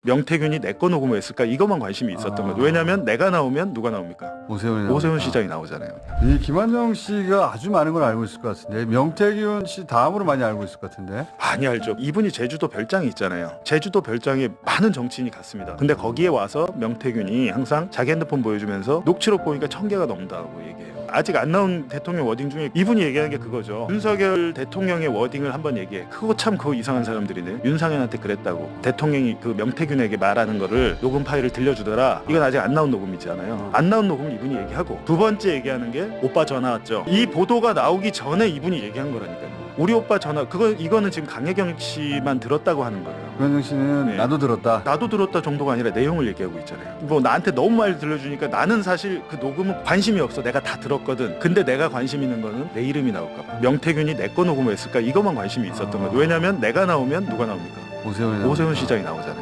명태균이 내 거 녹음을 했을까 이것만 관심이 있었던 거죠. 왜냐하면 내가 나오면 누가 나옵니까? 오세훈 시장이 나오잖아요. 이 김한정 씨가 아주 많은 걸 알고 있을 것 같은데 명태균 씨 다음으로 많이 알고 있을 것 같은데. 많이 알죠. 이분이 제주도 별장이 있잖아요. 제주도 별장에 많은 정치인이 갔습니다. 근데 거기에 와서 명태균이 항상 자기 핸드폰 보여주면서 녹취록 보니까 1000개가 넘는다고 얘기해요. 아직 안 나온 대통령 워딩 중에 이분이 얘기하는 게 그거죠. 윤석열 대통령의 워딩을 한번 얘기해. 그거 참 그거 이상한 사람들이네. 윤상현한테 그랬다고. 대통령이 그 명태균에게 말하는 거를 녹음 파일을 들려주더라. 이건 아직 안 나온 녹음이잖아요. 안 나온 녹음을 이분이 얘기하고 두 번째 얘기하는 게 오빠 전화 왔죠. 이 보도가 나오기 전에 이분이 얘기한 거라니까요. 우리 오빠 전화 이거는 지금 강혜경 씨만 들었다고 하는 거예요. 김한정 씨는 네. 나도 들었다. 나도 들었다 정도가 아니라 내용을 얘기하고 있잖아요. 뭐 나한테 너무 많이 들려주니까 나는 사실 그 녹음은 관심이 없어. 내가 다 들었거든. 근데 내가 관심 있는 거는 내 이름이 나올까 봐. 명태균이 내 거 녹음을 했을까 이것만 관심이 있었던 거죠. 왜냐면 내가 나오면 누가 나옵니까? 오세훈 오세훈 시장이 나오잖아요.